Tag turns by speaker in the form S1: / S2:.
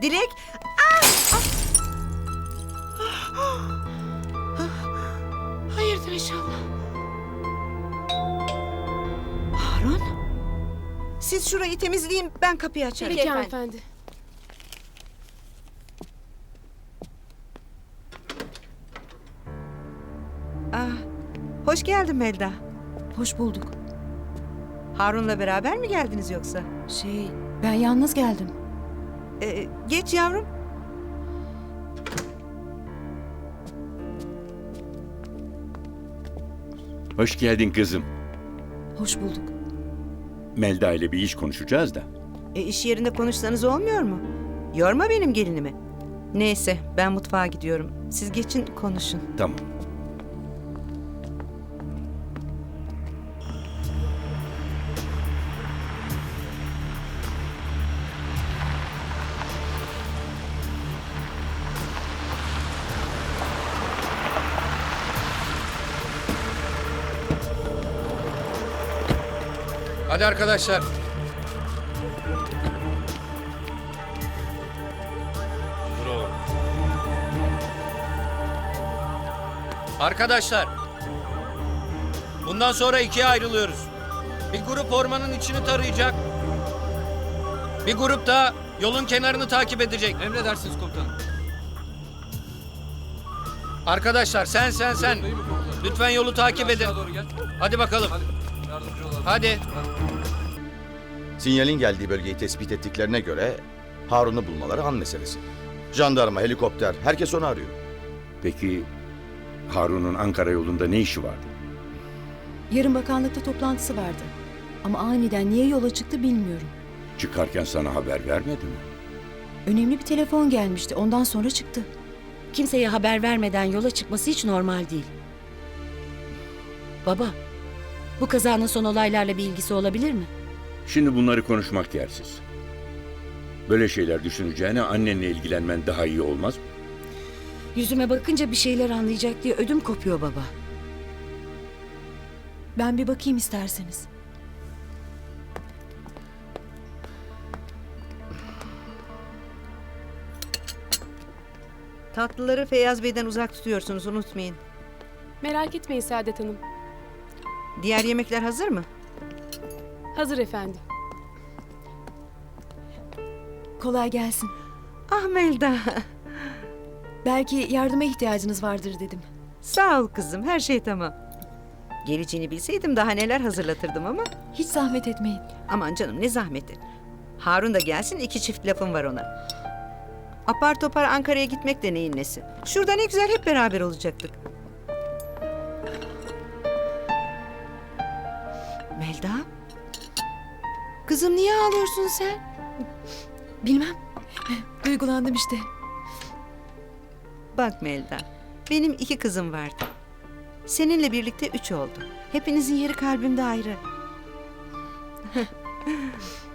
S1: Dilek.
S2: Hayırdır inşallah.
S1: Harun. Siz şurayı temizleyin, ben kapıyı açarım.
S2: Peki hanımefendi.
S1: Hoş geldin Melda.
S3: Hoş bulduk.
S1: Harun'la beraber mi geldiniz yoksa?
S3: Ben yalnız geldim.
S1: Geç yavrum.
S4: Hoş geldin kızım.
S3: Hoş bulduk.
S4: Melda ile bir iş konuşacağız da.
S1: İş yerinde konuşsanız olmuyor mu? Yorma benim gelinimi. Neyse, ben mutfağa gidiyorum. Siz geçin, konuşun.
S4: Tamam.
S5: Hadi arkadaşlar. Arkadaşlar. Bundan sonra ikiye ayrılıyoruz. Bir grup ormanın içini tarayacak. Bir grup da yolun kenarını takip edecek.
S6: Emredersiniz komutanım.
S5: Arkadaşlar sen. Lütfen yolu takip edin.
S6: Aşağı doğru gel.
S5: Hadi bakalım.
S6: Hadi yardımcı olalım.
S5: Hadi.
S7: Sinyalin geldiği bölgeyi tespit ettiklerine göre Harun'u bulmaları an meselesi. Jandarma, helikopter, herkes onu arıyor.
S4: Peki Harun'un Ankara yolunda ne işi vardı?
S3: Yarın bakanlıkta toplantısı vardı. Ama aniden niye yola çıktı bilmiyorum.
S4: Çıkarken sana haber vermedi mi?
S3: Önemli bir telefon gelmişti. Ondan sonra çıktı.
S2: Kimseye haber vermeden yola çıkması hiç normal değil. Baba, bu kazanın son olaylarla bir ilgisi olabilir mi?
S4: Şimdi bunları konuşmak yersiz. Böyle şeyler düşüneceğine annenle ilgilenmen daha iyi olmaz mı?
S2: Yüzüme bakınca bir şeyler anlayacak diye ödüm kopuyor baba.
S3: Ben bir bakayım isterseniz.
S1: Tatlıları Feyyaz Bey'den uzak tutuyorsunuz, unutmayın.
S8: Merak etmeyin Saadet Hanım.
S1: Diğer yemekler hazır mı?
S8: Hazır efendim.
S3: Kolay gelsin.
S1: Ah Melda.
S3: Belki yardıma ihtiyacınız vardır dedim.
S1: Sağ ol kızım, her şey tamam. Geleceğini bilseydim daha neler hazırlatırdım ama.
S3: Hiç zahmet etmeyin.
S1: Aman canım, ne zahmeti. Harun da gelsin, 2 çift lafım var ona. Apar topar Ankara'ya gitmek de neyin nesi. Şurada ne güzel hep beraber olacaktık. Melda? Kızım niye ağlıyorsun sen?
S3: Bilmem. Duygulandım işte.
S1: Bak Melda, benim 2 kızım vardı. Seninle birlikte 3 oldu. Hepinizin yeri kalbimde ayrı.